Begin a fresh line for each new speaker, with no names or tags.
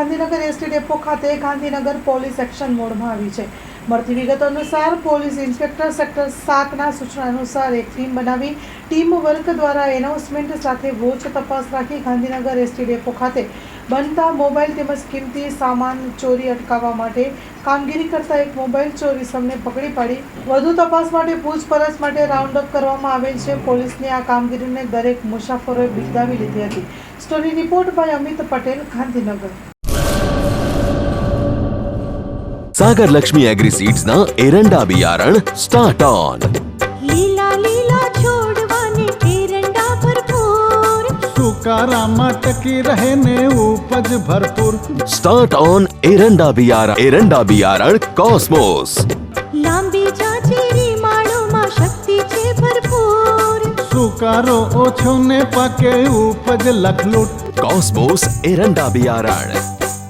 Gandhinagar ST depot ખાતે Gandhinagar police action મોડમાં આવી છે. મળતી વિગતો અનુસાર પોલીસ ઇન્સ્પેક્ટર સેક્ટર 7ના સૂચના અનુસાર એક ટીમ બનાવી ટીમ વર્ક દ્વારા એનાઉન્સમેન્ટ સાથે વોચ તપાસ રાખી ગાંધીનગર એસટી ડેપો ખાતે બનતા મોબાઈલ તેમજ કિંમતી સામાન ચોરી અટકાવવા માટે કામગીરી કરતા એક મોબાઈલ ચોર ઇસમને પકડી પાડી વધુ તપાસ માટે પૂછપરછ માટે રાઉન્ડ અપ કરવામાં આવેલ છે. પોલીસની આ કામગીરીને દરેક મુસાફરોએ બિરદાવી લીધી હતી. Story report by Amit Patel, Gandhinagar.
Sagar Lakshmi agri seeds ना एरंडा बियारण स्टार्ट ऑन.
લીલા લીલા છોડવાને એરંડા ભરપૂર,
સુકારામાં ટકી રહે ને ઉપજ ભરપૂર.
स्टार्ट ऑन एरंडा बियारण कॉस्मोस.
લાંબી જાચેરી માળોમાં શક્તિ છે ભરપૂર,
સુકારો ઓછો ને પાકે ઉપજ લખલૂટ.
कॉस्मोस एरंडा बियारण.